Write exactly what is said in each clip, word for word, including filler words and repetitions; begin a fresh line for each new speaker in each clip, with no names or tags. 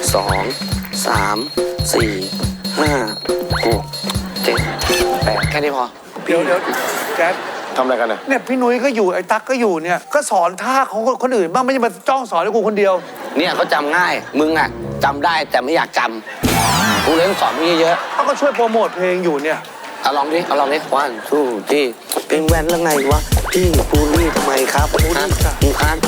สองสามสี่ห้าหกเจ็ดแปดแค่นี้พอ
เดี๋ยวเดี๋ยวแจ๊ด
ทำอะไรกันน่ะ
เนี่ยพี่นุ้ยก็อยู่ไอ้ตั๊กก็อยู่เนี่ยก็สอนท่าของคนอื่นบ้างไม่ใช่มาจ้องสอนให้กูคนเดียว
เนี่ยเขาจำง่ายมึงอ่ะจำได้แต่ไม่อยากจำกูเลยต้องสอนมึงเยอะ
เขาก็ช่วยโปรโมทเพลงอยู่เนี่ย
เอาลองดิเอาลองดิวันทูที่เป็นแว่นแล้วไงวะพี่ปูรี่ทำไมครับปูรี่มึงคัน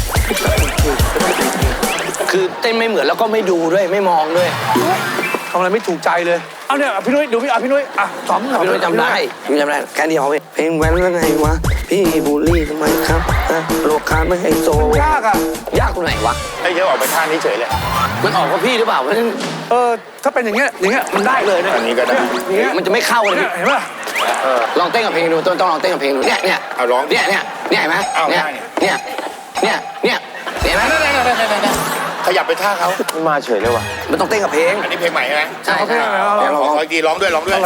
คือเต้นไม่เหมือนแล้วก็ไม่ดูด้วยไม่มองด้วย
ทำอะไรไม่ถูกใจเลยเอาเนี่ยพี่นุ้ยดูพี่อ่ะพี่นุ้ยอ่ะสอน
พี่นุ้ยจำได้พี่จำได้แค่เดียวเพลงแว่นแล้วไงวะพี่บูลลี่ทำไมครับโลคาไม่ให้โซ
ยากอ่ะ
ยากตรงไหนวะ
ไอ้เยอะออกไปท่านี้เฉยเลย
มันออกกับพี่หรือเปล่า
เออถ้าเป็นอย่างเงี้ยอย่างเงี้ยมันได้เลยนะ
อันนี้ก็ได้
มันจะไม่เข้าเลย
เห็นป่ะ
ลองเต้นกับเพลงดูต้องต้องลองเต้นกับเพลงดูเนี่ยเนี่ย
เอาร้อง
เนี่ยเนี่ยเนี่ยเห็นไหมเนี่ยเนี่ยเนี่ยเนี่ยเห็นไหม
ขยับไปท่าเขามาเฉยเลยว่ะ
มันต้องเต้นกับเพลง
อันนี้เพลงใหม่ใช่ไหม
ใช่ใช่
เดี๋ยวลองกีร้องด้วยร้องด้วย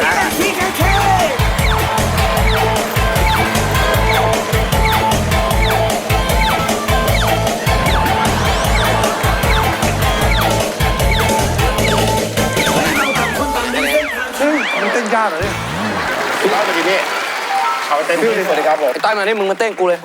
มันเต้นยากเหรอเนี่ย
พี่ร้องไปดิพี่เอาเต้นพี่สวัสดีครับผม
ต้อยมาดิมึงมาเต้นกูเลย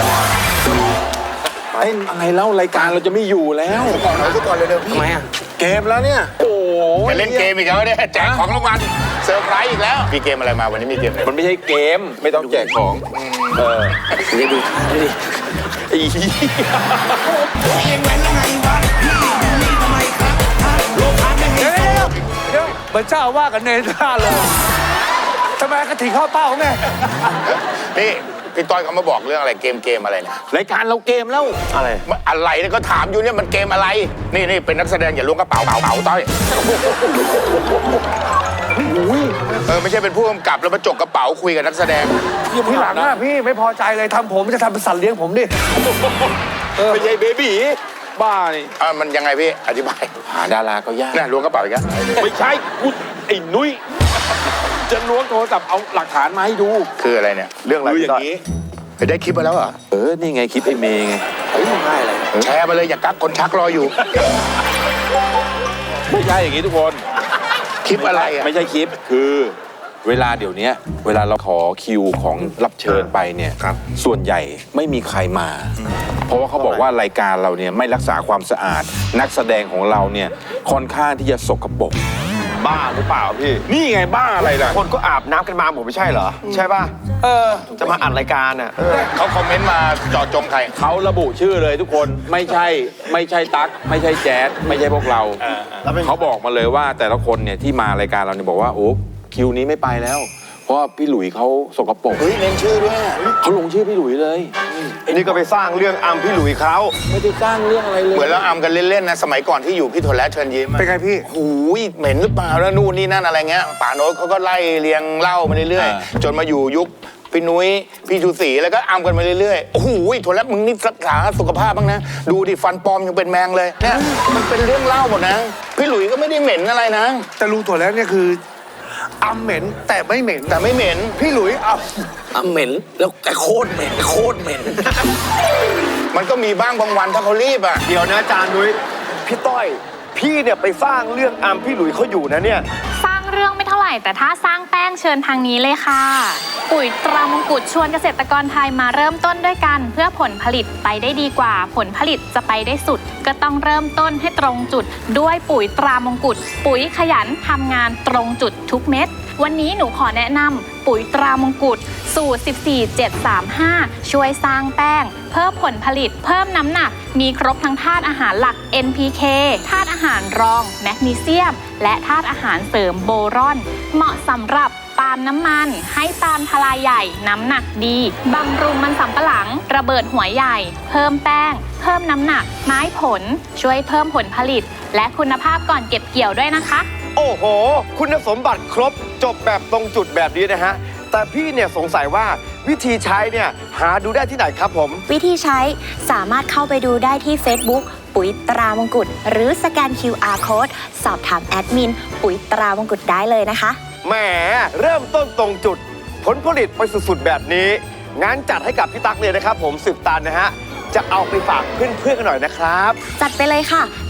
เต้นอะไรแล้วรายการเราจะไม่อยู่แล้วก่อนเราสักก่อนเร็วๆพี่
ทำไมอ่ะ
เกมแล้วเนี่ยโอ้จะเล่นเกมอีกแล้วเนี่ยแจกของรางวัลเซอร์ไพรส์อีกแล้วมีเกมอะไรมาวันนี้มีเกมอะไรมันไม่ใช่เกมไม่ต้องแจกของเออ
นี่ดูดูดิ
ไอ้เหี้ยเองแว้นแล้วไงวะพี่นี่ทำไมครับโลกาไม่ให้โซ่
เดี๋ยวเหมือนเจ้าว่ากันเนท่าเลยทำไมกระถิ่นข้าวเป้าไง
นี่พี่ต้อยเขามาบอกเรื่องอะไรเกมเกมอะไรเนี่ยรายการเราเกมแล้วอะไรอะไรเนี่ยก็ถามอยู่เนี่ยมันเกมอะไรนี่นี่เป็นนักแสดงอย่าล้วงกระเป๋าเป๋าเป๋าต้อยเออไม่ใช่เป็นผู้กำกับแล้วมาจกกระเป๋าคุยกับนักแสดง
พี่หลังนะพี่ไม่พอใจเลยทำผมจะทำเป็นสัตว์เลี้ยงผมดิ
ไม่ใช่เบบี้บ้านี่อ่ามันยังไงพี่อธิบายหาดาราก็ยากน่ะล้วงกระเป๋าอีกแล้วไม่ใช่กูไอ้นุ้ยจะล้วงโทรศัพท์เอาหลักฐานมาให้ดูคืออะไรเนี่ยเรื่องอะไรอย่างนี้ไปได้คลิปมาแล้วเหรอเออนี่ไงคลิปไอ้เมย์ไง
เฮ้ยง่ายเลย
แชร์มาเลยอย่ากักคนชักรออยู่ไม่ใช่อย่างนี้ทุกคนคลิปอะไรอ่ะไม่ใช่คลิปคือเวลาเดี๋ยวนี้เวลาเราขอคิวของรับเชิญไปเนี่ยส่วนใหญ่ไม่มีใครมาเพราะว่าเขาบอกว่ารายการเราเนี่ยไม่รักษาความสะอาดนักแสดงของเราเนี่ยค่อนข้างที่จะสกปรกบ้าหรือเปล่าพี่นี่ไงบ้าอะไรล่ะคนก็อาบน้ำกันมาผมไม่ใช่เหรอใช่ป่ะเออจะมาอัดรายการอ่ะเขาคอมเมนต์มาเจาะจงใครเขาระบุชื่อเลยทุกคนไม่ใช่ไม่ใช่ตั๊กไม่ใช่แจ๊ดไม่ใช่พวกเราเขาบอกมาเลยว่าแต่ละคนเนี่ยที่มารายการเราเนี่ยบอกว่าโอ้คิวนี้ไม่ไปแล้วเพราะว่าพี่หลุยเขาสกปรกเฮ้ยเน้นชื่อด้วยเขาลงชื่อพี่หลุยเลยนี่ก็ไปสร้างเรื่องอัมพี่หลุยเขาไม่ได้สร้างเรื่องอะไรเลยเหมือนเราอัมกันเล่นๆนะสมัยก่อนที่อยู่พี่โทนและเชิญยิ้ม
เป็นไงพี่
หูยเหม็นหรือเปล่าแล้วนู่นนี่นั่นอะไรเงี้ยป่าโน้ตเขาก็ไล่เรียงเล่ามาเรื่อยๆจนมาอยู่ยุคพี่นุ้ยพี่ชูศรีแล้วก็อัมกันมาเรื่อยๆโอ้โหโทนและมึงนี่รักษาสุขภาพบ้างนะดูดิฟันปลอมยังเป็นแมงเลยเนี่ยมันเป็นเรื่องเล่าหมดนะพี่หลุยก็ไม่ได้เหม็นอะไรนะ
แต่ลุงถั่วแล้วเนี่ยคืออัมเหม็นแต่ไม่เหม็น
แต่ไม่เหม็น
พี่หลุยอัม
อัมเหม็นแล้วแกโคตรเหม็นโคตรเหม็น
มันก็มีบ้างบางวันถ้าเขารีบอ่ะ
เดี๋ยวนะอาจารย์นุ้ยพี่ต้อยพี่เนี่ยไปสร้างเรื่องอัมพี่หลุยเขาอยู่นะเนี่ย
สร้างเรื่องไม่เท่าไหร่แต่ถ้าสร้างแป้งเชิญทางนี้เลยค่ะปุ๋ยตรามงกุฎชวนเกษตรกรไทยมาเริ่มต้นด้วยกันเพื่อผลผลิตไปได้ดีกว่าผลผลิตจะไปได้สุดก็ต้องเริ่มต้นให้ตรงจุดด้วยปุ๋ยตรามงกุฎปุ๋ยขยันทำงานตรงจุดทุกเม็ดวันนี้หนูขอแนะนำปุ๋ยตรามงกุฎสูตร สิบสี่ เจ็ด สาม ห้า ช่วยสร้างแป้งเพิ่มผลผลิตเพิ่มน้ำหนักมีครบทั้งธาตุอาหารหลัก เอ็น พี เค ธาตุอาหารรองแมกนีเซียมและธาตุอาหารเสริมโบรอนเหมาะสำหรับปาล์มน้ำมันให้ปาล์มทลายใหญ่น้ำหนักดีบำรุงมันสำปะหลังระเบิดหัวใหญ่เพิ่มแป้งเพิ่มน้ำหนักไม้ผลช่วยเพิ่มผลผลิตและคุณภาพก่อนเก็บเกี่ยวด้วยนะคะ
โอ้โหคุณสมบัติครบจบแบบตรงจุดแบบนี้นะฮะแต่พี่เนี่ยสงสัยว่าวิธีใช้เนี่ยหาดูได้ที่ไหนครับผม
วิธีใช้สามารถเข้าไปดูได้ที่ Facebook ปุ๋ยตรามงกุฎหรือสแกน คิว อาร์ Code สอบถามแอดมินปุ๋ยตรามงกุฎได้เลยนะคะ
แหมเริ่มต้นตรงจุดผลผลิตไปสุดๆแบบนี้งั้นจัดให้กับพี่ตั๊กเลยนะครับผมสิบตันนะฮะจะเอาไปฝากเพื่อนๆกันหน่อยนะครับ
จัดไปเลยค่ะ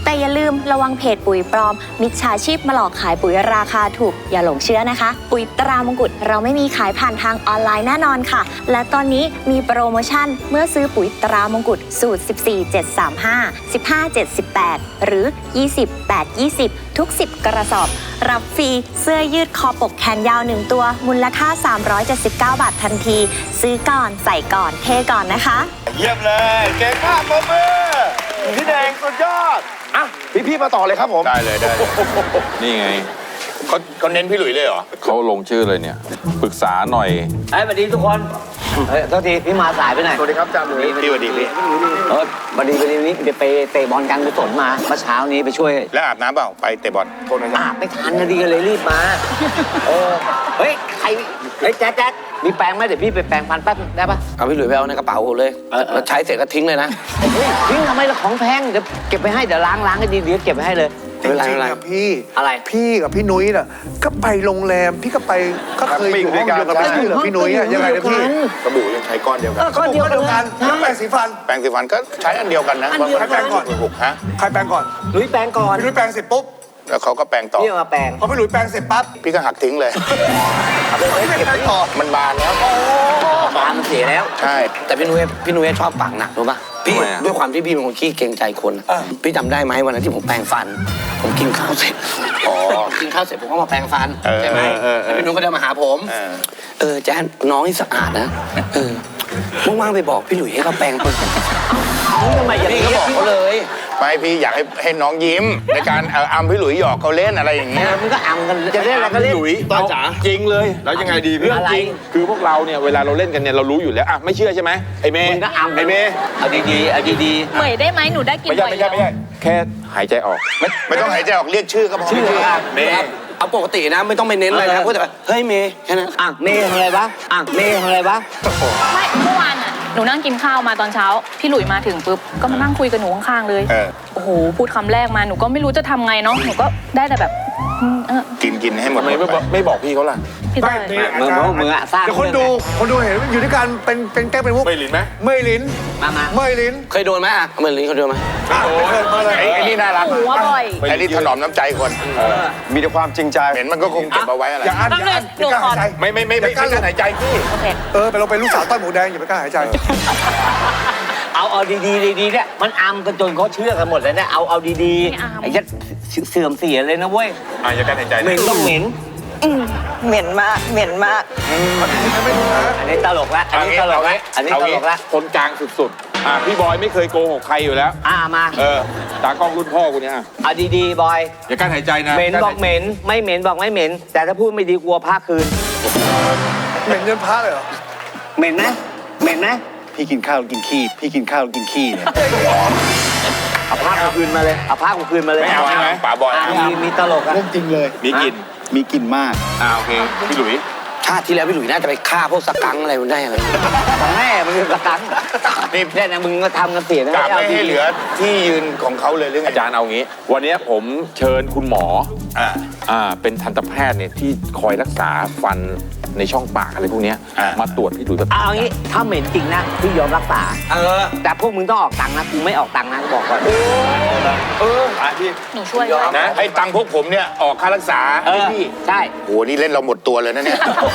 แต่อย่าลืมระวังเพจปุ๋ยปลอมมิจฉาชีพมาหลอกขายปุ๋ยราคาถูกอย่าหลงเชื่อนะคะ ปุ๋ยตรามงกุฎเราไม่มีขายผ่านทางออนไลน์แน่นอนค่ะ และตอนนี้มีโปรโมชั่นเมื่อซื้อปุ๋ยตรามงกุฎสูตร สิบสี่ เจ็ด สาม ห้า สิบห้า เจ็ด สิบแปด หรือ ยี่สิบ แปด ยี่สิบ ทุก สิบ กระสอบ รับฟรีเสื้อยืดคอปกแขนยาวหนึ่งตัวมูลค่า สามร้อยเจ็ดสิบเก้า บาททันที ซื้อก่อนใส่ก่อนเทก่อนนะคะ
เยี่ยมเลยเก่งมากปรบมือพี่แดงสุดยอดอ่ะพี่ๆมาต่อเลยครับผม
ได้เลยได้เลยนี่ไง
เขาเขาเน้นพี่หลุยเลยเหรอ
เขาลงชื่อเลยเนี่ยปรึกษาหน่อย
ไอ้สวัสดีทุกคนเฮ้ยโทษทีพี่มาสายไปหน่อย
สวัสดีครับอาจารย์หลุย
พี่สวัสดีพี่
เออวันดีวันนี้เดี๋ยวไปเตะบอลกันกุศลมาเมื่อเช้านี้ไปช่วย
แล้วอาบน้ำเปล่าไปเตะบอล
โทษนะครับ
อาบไม่ทันนะดีกันเลยรีบมา เออ เฮ้ย ใคร เฮ้ยแจ๊ดแจ๊ดมีแปรงไหมเดี๋ยวพี่ไปแปรงฟันแป๊บได้ปะเอาพี่หลุยไปเอาในกระเป๋าเลยแล้วใช้เสร็จก็ทิ้งเลยนะเฮ้ยทิ้งทำไมล่ะของแพงเดี๋ยวเก็บไปให้เดี๋ยวล้างล้างให้ดีเดี๋ยวเก็บไปให้เลย
จริงๆอะพี่
อะไร
พี่กับพี่นุ้ยน่ะก็ไปโรงแรมพี่ก็ไปก็เคยอยู่ห้องเดียวกับพี่เหรอพี่นุ้ยอะยังไงนะพี่
สบู่ยังใช้ก้อนเดียวกัน
ก็เดียวกันน้ำแปรงสีฟัน
แปรงสีฟันก็ใช้อันเดียวกันนะ
อันเดียวกัน
ใครแปรงก่อนถูกฮะ
ใครแปรงก่อน
หลุยแปรงก่อน
พี่นุ้ยแปรงเสร็จปุ๊บ
แล้วเขาก็แปรงต่อ
พี่เอามาแปรง
พอพี่หลุยแปรงเสร็จปั๊บ
พี่ก็หักทิ้งเลย
พี่ไม่แปรงต่อ
มันบานแล้ว
ตามันเสียแล้ว
ใช่
แต่พี่นุ้ยพี่นุ้ยชอบปากหนักรู้ป่ะพี่
ทำไมอะ
ด้วยความที่พี่เป็นคนขี้เกรงใจคนอะพี่จำได้ไหมวันนั้นที่ผมแปรงฟัน ผมกินข้าวเสร็จอ๋อกินข้าวเสร็จผมก็มาแปรงฟันใช่ไหมแล้วพี่นุ้ยก็เดินมาหาผม
เออ
เออแจ๊ดน้องนี่สะอาดนะเออว่างๆไปบอกพี่หลุยให้เขาแปรงปืนทำไมอย่างนี้ก็บอกเขาเลย
ไม่พี่อยากให้ให้น้องยิ้ม ในการเอ่ออัมพี่หลุยหยอกเขาเล่นอะไรอย่างเงี้ย
มันก็อ่ำกันจะเล่นอะไรก็เล่น
หลุยเอาจริงเลย
แล้วยังไงดีพี่
เรื่องจริง คือพวกเราเนี่ยเวลาเราเล่นกันเนี่ยเรารู้อยู่แล้วอ่ะไม่เชื่อใช่ไหมไอ้เมย์
มึงก็อ่ำ
ไอ้เมย์
เอาดีๆเอาดี
เหมยได้ไหมหนูได้กิน
ไม่ใช่
บ่อย
ไม่ใช่ไม่ใช่แค่หายใจออกไม่
ไม่ต้องหายใจออกเรียกชื่อก็พอ
ๆชื่อครับ
เมย์
เอาปกตินะไม่ต้องไปเน้นอะไรนะพูดแต่ว่าเฮ้ยเมย์แค่นั้นอ่ะเมย์ทำอะไรบ้างอ่ะเมย์ทำอะไรบ้าง
ไม่เมื่อวานอ่ะหนูนั่งกินข้าวมาตอนเช้า พี่หลุยมาถึงปุ๊บก็มานั่งคุยกับหนูข้างๆเลย
เออ
โอ้โหพูดคำแรกมาหนูก็ไม่รู้จะทำไงเนาะหนูก็ได้แต่แบบอืมเออ
กินกินให้หมด
ทำไมไม่บอกไม่บอกพี่เขาล่ะ
พี่เต้ย
มึงมึงมึงอะสร้าง
เดี๋ยวคนดูคนดูเห็นอยู่ด้วยกันเป็นเป็นแก้เป็นมุก
ไม่ลินไหม
เมยลิ้น
มามา
เมยลิ้น
เคยโดนไหมอ่ะเมย์ลิ้นเคยโดนไหม
โอ้ยมาเลย
ไอ้ไอ้นี่น่ารัก
หนูว่าบ่อย
ไอ้นี่ถนอมน้ำใจคน
มีแต่ความจริงใจ
เห็นมันก็คงเก็บเอาไว้อะไร
อย่าอั้นอย่าอั้นอย่ากล้าหายใจ
ไม่ไม่ไม่ไม่ไม่หายใจพี่
โอเค
เออไปเราเป็นลูกสาวต้อยหมูแดงอย่าไปกล้าหายใจ
เอาเอาดีๆดีๆเนี่ยมันอำกันจนเขาเชื่อกันหมดเลยเนี่ยเอาเอาดีๆไอ้ยัดเสื่อมเสียเลยนะเว้ย
อ่ะอย่าการหายใจ
เหม็นต้องเหม็น
เหม็นมากเหม็นมาก
อันนี้ตลกละอันนี้ตลกละอันนี้ตลกละ
คนกลางสุดๆอ่ะพี่บอยไม่เคยโกหกใครอยู่แล้ว
อ่ามา
เออตากล้องรุ่นพ่อกูเนี่ยอ่ะ
เอาดีๆบอย
อย่าการหายใจนะ
เหม็นบอกเหม็นไม่เหม็นบอกไม่เหม็น แต่ถ้าพูดไม่ดีกลัวพาคืน
เหม็นเงินพระเลยเหรอ
เหม็นไหมเหม็นไหม
พี่กินข้าวกินขี้ พี่กินข้าวกินขี้เนี่ย
เอาผ้ากูคืนมาเลยเอาผ้ากูคืนมาเลย
ไม่เอาใช่ไหมป๋าบอย
อ่ะมีมีตลกอะ
เรื่องจริงเลย
มีกลิ่น
มีกลิ่นมาก
อ่าโอเค พี่หลุย
ชาติที่แล้วพี่หลุยน่าจะไปฆ่าพวกสกังอะไรมันได้อะไรของแม่มึงเป็นสกัง
นี่
เนี่ยนะมึงก็ทำกันเสียนะ
กะไม่
าดี
ให้เหลือที่ยืนของเขาเลยหรือไง
อาจารย์เอางี้ วันนี้ผมเชิญคุณหมอ
อ่า
อ่าเป็นทันตแพทย์เนี่ยที่คอยรักษาฟันในช่องปากอะไรพวกเนี้ย
อ่าม
มาตรวจพี่หลุยแบบ
เอางี้ถ้าเหม็นจริงนะพี่ยอมรักษาเออ แต่พวกมึงต้องออกตังค์นะกูไม่ออกตังค์นะกูบอกก่อน
เอออ่ะพี่
หนูช่วยด้วย
นะให้ตังค์พวกผมเนี่ยออกค่ารักษา
เอ
ให้
อ
พี่
ใช่
โหนี่เล่นเราหมดตัวเลยนะเนี่ย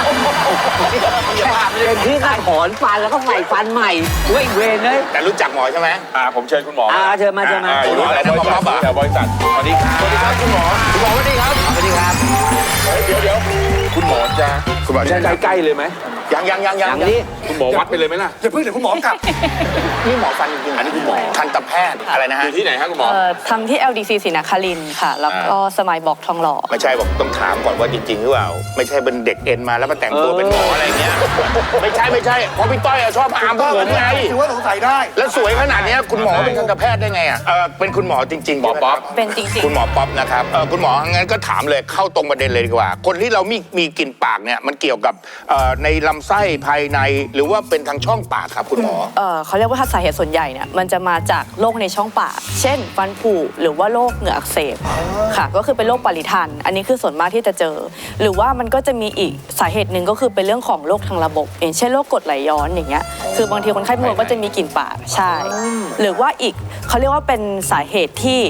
เป็นที่การถอนฟันแล้วก็ใส่ฟันใหม่ด้วยเวรเลย
แต่รู้จักหมอใช่ไหม
อ่าผมเชิญคุณหมอ
อ่าเชิญมาเชิญมา
อ่อยู่
หมออะไรนะ
บริษัท
หมอป๊อปอะ
แถวบริษัทสวัสดีครับ
สวัสดีครับคุณหมอคุณหมอสวัสดีครับ
สวัสดีครับ
เดี๋ยวเดี๋ยวคุณหมอจะ
คุณหมอ
จะใกล้ๆเลยไหม
ยังยังยัง
อ
ยัง
ย่างนี้
คุณหมอวัดไปเลยไหมล่ะ
อย่าเพิ่งเดี๋ยวคุณหมอกลับ
นี่หมอฟันจริงๆอันนี้คุณหมอทันตแพทย์อะไรนะ
อ
ฮะ
ยู่ที่ไหนครับคุณหมอ
เอ่อทำที่ แอล ดี ซี ศรีนครินทร์ค่ะ แล้วก็สมัยบอกทองหล่อ
ไม่ใช่บอกต้องถามก่อนว่าจริงๆหรือเปล่าไม่ใช่เป็นเด็กเอ็นมาแล้วมาแต่งตัวเป็นหมออะไรเงี้ยไม่ใช่ไม่ใช่เพราะพี่ต้อยอะชอบอามพวกผมไง
ถือว่าสงสัยได้
แล้วสวยขนาดเนี้ยคุณหมอเป็นทันตแพทย์ได้ไงอ่ะเออเป็นคุณหมอจริงๆ
หมอป๊อป
เป็นจริง
คุณหมอป๊อปนะครับเออคุณหมองั้นก็ถามเลยเข้าตรงประเด็นเลยดีกว่า คนที่เรามีมีกลิ่นปากเนี่ยมันเกี่ยวกับเอ่อในลำไส้ภายในหรือว่าเป็นทางช่องปากครับคุณหมอ
ๆเอ่อเขาเรียกว่าถ้าสาเหตุส่วนใหญ่เนี่ยมันจะมาจากโรคในช่องปาก เช่น ฟันผุหรือว่าโรคเหงื่ออักเสบค่ะ ก็คือเป็นโรคปริทัน อันนี้คือส่วนมากที่จะเจอ หรือว่ามันก็จะมีอีกสาเหตุหนึ่งก็คือเป็นเรื่องของโรคทางระบบ อย่างเช่นโรคกรดไหลย้อนอย่างเงี้ย คือบางทีคนไข้บางคนก็จะมีกลิ่นปาก ใช่ หรือว่าอีกเขาเรียกว่าเป็นสาเหตุที่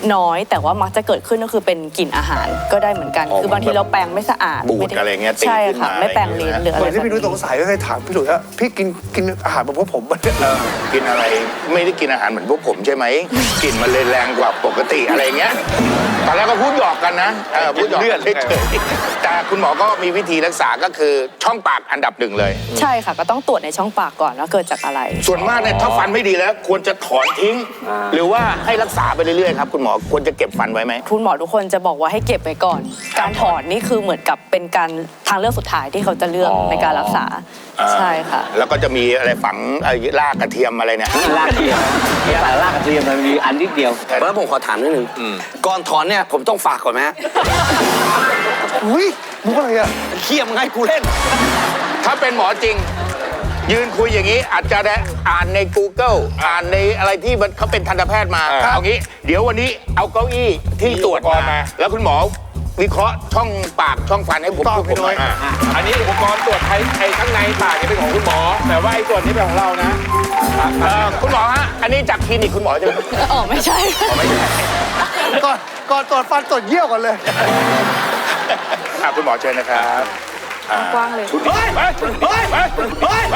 น้อยแต่ว่ามักจะเกิดขึ้นก็คือเป็นกลิ่นอาหารก็ได้เหมือนกัน
อ๋อ
คือบางทีเราแปรงไม่สะอาด
บูด
ม่ด้
อะไรเงี้ยตี
ใช่
ขึ้น
ค่ะ
มา
ไม่แปรงลิ้นหรือ
เห
อะไร
มือนที่พี่นุ้ยส
แบบ
งสัยก็เคยถามพี่หลุยว่าพี่กินกินอาหารแบบพวกผมมันเนี่ย
เออกินอะไรไม่ได้กินอาหารเหมือนพวกผมใช่ไหมกลิ่นมันเลยแรงกว่าปกติอะไรเงี้ยตอนแรกก็พูดหยอกกันนะเออพูดหยอกกันเฉยๆแต่คุณหมอก็มีวิธีรักษาก็คือช่องปากอันดับหนึ่งเลย
ใช่ค่ะก็ต้องตรวจในช่องปากก่อนว่าเกิดจากอะไร
ส่วนมากเนี่ยถ้าฟันไม่ดีแล้วควรจะถอนทิ้ง หรือว่าให้รักษาไปเรื่อยๆครับคุณหมอควรจะเก็บฟันไว้ไหม
คุณหมอทุกคนจะบอกว่าให้เก็บไว้ก่อน การถอนนี่คือเหมือนกับเป็นการทางเลือกสุดท้ายที่เขาจะเลือก
อ๋อ
ในการรักษา
อ่า
ใช่ค่ะ
แล้วก็จะมีอะไรฝังไอ้รากกระเทียมอะไรเนี่ย
ลากเทียมมีสายลากกระเทียมมันมีอันนิดเดียวแล้วผมขอถามนิดนึงก่อนถอนเนี่ยผมต้องฝากก่อนไหมฮะ
อุ้ยมุกอะไรอ่ะ
เขี้ยมไงกูเล่น
ถ้าเป็นหมอจริง ยืนคุยอย่างนี้อาจจะได้อ่านใน Google อ่านในอะไรที่มันเขาเป็นทันตแพทย์มาเอางี้ เดี๋ยววันนี้เอาเก้าอี้ที่ตรวจมา แล้วคุณหมอวิเคราะห์ช่องปากช่องฟันให้ผมผมหน่อย
อันนี้อุปกรณ์ตรวจไอ้ไอ้ข้างในปากเนี่ยเป็นของคุณหมอ แต่ว่าไอ้ส่วนนี้เป็นของเรานะ
เออคุณหมอฮะอันนี้จากคลินิกคุณหมอใช่ไหม
อ๋อไม่ใช่
ก่อนก่อนตรวจฟันตรวจเยี่ยวก่อนเลย
อ่ะคุณหมอเชิญนะครับอ่าก
ว้างเลย
คุณเฮ้ยเฮ้ยเฮ้ยเฮ้ยเฮ้ย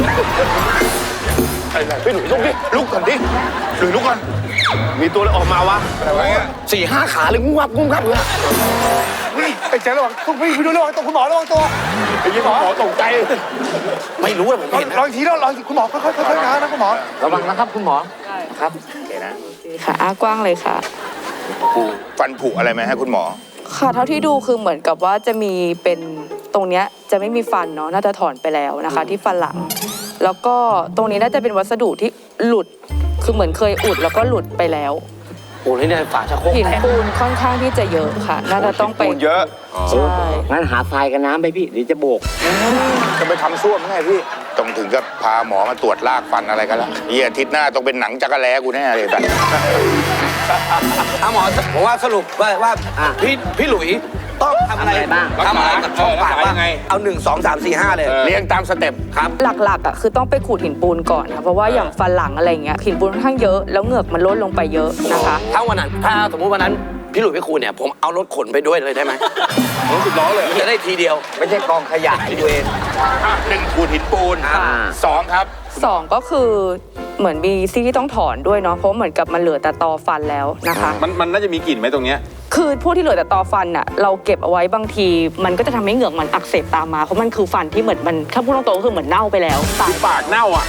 อะไรพี่หนุ่ยลุกดิลุกก่อนดิหนุ่ยลุกก่อนมีตัวอะไรออกมาวะอะไรวะเนี่ย
สี่ห้าขาเลยงุ้มงับงุ้มงับเลย
ไอ้แจ๊คระวังต้องพี่พี่นุ้ยระวังตัวคุณหมอระวังตัว
ไอ้ยี่หมอตกใจ
ไม่รู้เลยผม
ลอง
เห็น
ลองอีกทีแล้วลองอีกคุณหมอค่อยๆค่อยๆนะนะคุณหมอ
ระวังนะครับคุณหมอ
ครับโอเคนะ
ค่ะอ้ากว้างเลยค่ะ
ฟันผุอะไรไหมฮะคุณหมอ
ค่ะเท่าที่ดูคือเหมือนกับว่าจะมีเป็นตรงเนี้ยจะไม่มีฟันเนาะน่าจะถอนไปแล้วนะคะ ที่ฟันหลัง แล้วก็ตรงนี้น่าจะเป็นวัสดุที่หลุดคือเหมือนเคยอุดแล้วก็หลุดไปแล้ว
โอ้ยเนี่ยฝาชักโครก
หินปูนค่อนข้างที่จะเยอะค่ะ น่าจะต้องไป
ปูนเยอะ
ใช่
งั้นหาทรายกับน้ำไปพี่เดี๋ยวจะโบก
จะไปทำซ่วมไงพี่ต้องถึงกับพาหมอมาตรวจลากฟันอะไรกันละเฮียอาทิตย์หน้าต้องเป็นหนังจักรแล้กูแน่เลยแต่
เอาหมอผมว่าสรุปว่าว่าพี่พี่หลุยต้องทำอะไรบ้างทำอะไรกับช่องปากบ้างเอาหนึ่งสองสามสี่ห้าเลย
เรียงตามสเต็ปครับ
หลักๆอ่ะคือต้องไปขูดหินปูนก่อนค่ะเพราะว่าอย่างฟันหลังอะไรเงี้ยหินปูนค่อนข้างเยอะแล้วเหงือกมันลดลงไปเยอะนะคะ
ถ้าวันนั้นถ้าสมมุติวันนั้นพี่หลุยพี่ครูเนี่ยผมเอารถขนไปด้วยเลยได้ไหมรถสิบล้อเลยจะได้ทีเดียวไม่ใช่กองขยะที่ตัวเอง
อ่ะหนึ่งขูดหินปูน
อ่า
สองครับ
สองก็คือเหมือนมีซี่ที่ต้องถอนด้วยเนาะเพราะเหมือนกับมันเหลือแต่ตอฟันแล้วนะคะ
มันมันน่าจะมีกลิ่นไหมตรงเนี้ย
คือพวกที่เหลือแต่ตอฟันน่ะเราเก็บเอาไว้บางที มันก็จะทำให้เหงือกมันอักเสบตามมาเพราะมันคือฟันที่เหมือนมันถ้าพูดตรงๆก็คือเหมือนเน่าไปแล้วตาย
ปากเน่าอ่ะ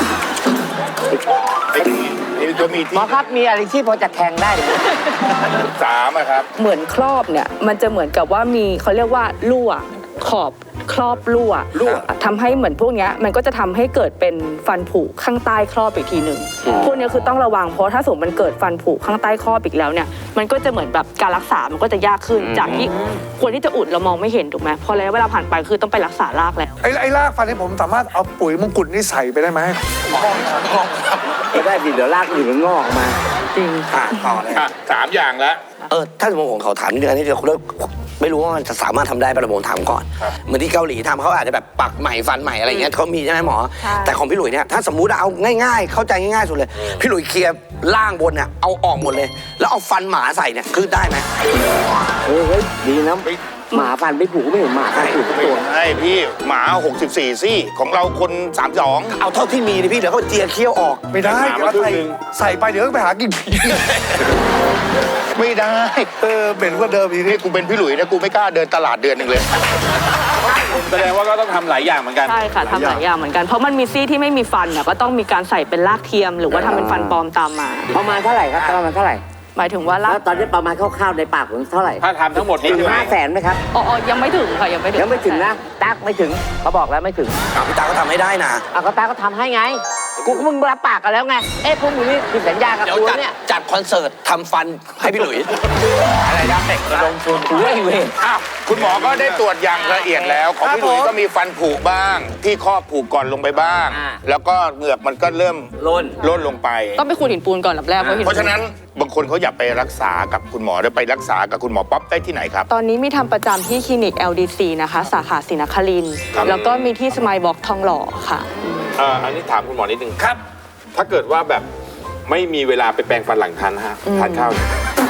ไอ้ไอ้ตัวมี
หม
ที่
อครับมีอะไรที่พอจะแทงได้ไหม
สามอะครับ
เหมือนครอบเนี่ยมันจะเหมือนกับว่ามีเขาเรียกว่ารั่วขอบครอบรั่วทำให้เหมือนพวกเนี้ยมันก็จะทำให้เกิดเป็นฟันผุข้างใต้ครอบอีกทีหนึ่งพวกเนี้ยคือต้องระวังเพราะถ้าสมมติมันเกิดฟันผุข้างใต้ครอบอีกแล้วเนี่ยมันก็จะเหมือนแบบการรักษามันก็จะยากขึ้นจากที่ควรที่จะอุดเรามองไม่เห็นถูกไหมพอแล้วเวลาผ่านไปคือต้องไปรักษารากแล้ว
ไอ้ไอ้รากฟันนี่ผมสามารถเอาปุ๋ยมงกุฎนี่ใส่ไปได้ไหม
ไม่ได้ดิเดี๋ยวลากอื่นมันงอกออกมา
จริง
อ่ะต่อเลย
อ่ะสามอย่างแล้ว
เออถ้าสมมติผมขอถามนิดนึงอันนี้เดี๋ยวคุณไม่รู้ว่ามันจะสามารถทำได้ป่ะผมถามก่อนเหมือนที่เกาหลีทำเขาอาจจะแบบปักใหม่ฟันใหม่อะไรเงี้ยเขามีใช่ไหมหมอ แต่ของพี่หลุยเนี่ยถ้าสมมุติเอาง่ายๆ เข้าใจง่ายๆสุดเลยพี่หลุยเคลียร์ล่างบนเนี่ยเอาออกหมดเลย แล้วเอาฟันหมาใส่เนี่ยคือได้ไหมเฮ้ยดีนะหมาฟันไม่ผูกไม่เห็นหมาผูกตัว
ใช่พี่หมาหกสิบสี่ซี่ของเราคนสามสิบสอง
เอาเท่าที่มีเลยพี่เดี๋ยวเขาเจียเคี้ยวออก
ไม่ได้เดี๋ยวใส่ใส่ไปเดี๋ยวต้องไปหากินผี
ไม่ได้
เออเหม็นกว่าเดิมอีก
นี่กูเป็นพี่หลุยนะกูไม่กล้าเดินตลาดเดือนหนึ่งเลย
แสดงว่าก็ต้องทำหลายอย่างเหมือนกัน
ใช่ค่ะทำหลายอย่างเหมือนกันเพราะมันมีซี่ที่ไม่มีฟันเนี่ยก็ต้องมีการใส่เป็นรากเทียม หรือว่าทำเป็นฟันปลอมตามมา
ประมาณเท่าไหร่ครับประมาณเท่าไหร่
หมายถึงว่ารา
แล้
ก
วตอนนี้ประมาณคร่าวๆในปากผมเท่าไหร่
ถ้าทำทั้งหมดนี่
ถึงห้าแสนไหมครับ
อ๋ออ๋อยังไม่ถึงค่ะยังไม่ถึง
ยังไม่ถึงนะตักไม่ถึงเขาบอกแล้วไม่ถึงพี่ตาก็ทำให้ได้นะอ่ะก็ตาก็ทำให้ไงกูมึงรับปากกันแล้วไงเอ๊ะพวกมึงนี่ผิดสัญญากับกูเนี่ยจัดคอนเสิร์ตทำฟันให้พี่หลุยอะไรนะระดมทุนเว้ยเว้ย
อ้าวคุณหมอก็ได้ตรวจอย่างละเอียดแล้วของพี่หลุยก็มีฟันผุบ้าง ที่ครอบผูกก่อนลงไปบ้าง แล้วก็เหงือกมันก็เริ่ม
ล้น
ล้นลงไป
ต้องไปขูดหินปูนก่อนลำแรกเพราะหิน
เพราะฉะนั้นบางคนเขาอยากไปรักษากับคุณหมอได้ไปรักษากับคุณหมอป๊อปได้ที่ไหนครับ
ตอนนี้มีทำประจำที่คลินิก แอล ดี ซี นะคะ สาขาศรีนครินทร์
ครับ
แล้วก็มีที่สมายบ็อกทองหล่อค่ะ
เอ่ออันนี้ถามคุณหมอนิดนึงครับ ถ้าเกิดว่าแบบไม่มีเวลาไปแปรงฟันหลังทานฮะทานข้าวเนี่ย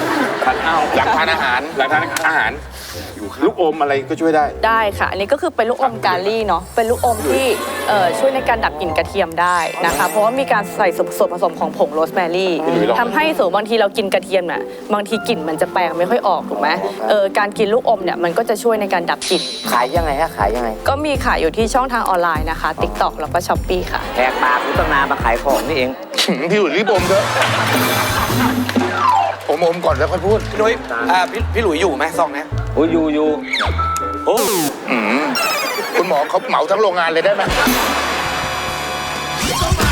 ทานข้าวหลังทานอาหารหลังทานอาหารลูกอมอะไรก็ช่วยได้
ได้ค่ะ อันนี้ก็คือเป็นลูกอมกาลี่เนาะ เป็นลูกอมที่เอ่อช่วยในการดับกลิ่นกระเทียมได้นะคะ เพราะว่ามีการใส่ส่วนผสมของผงโรสแมรี่ทำให้สมมติบางทีเรากินกระเทียมน่ะบางทีกลิ่นมันจะแปลงไม่ค่อยออกถูกไหมเออการกินลูกอมเนี่ยมันก็จะช่วยในการดับกลิ่น
ขายยังไงฮะขายยังไง
ก็มีขายอยู่ที่ช่องทางออนไลน์นะคะ TikTok แล้วก็ Shopee ค่ะ
แหกปากกูตั้งนานมาขายของนี่เอง
พี่หลุยรีบอมเถอะอมอมก่อนแล้วค่อยพูด
พี่หลุยอ่าพี่พี่หลุยอยู่ไหมซองเนี้ยโอ้ยอยู่อยู่โอ้
อืมคุณหมอเขาเหมาทั้งโรงงานเลยได้ไหม
Somebody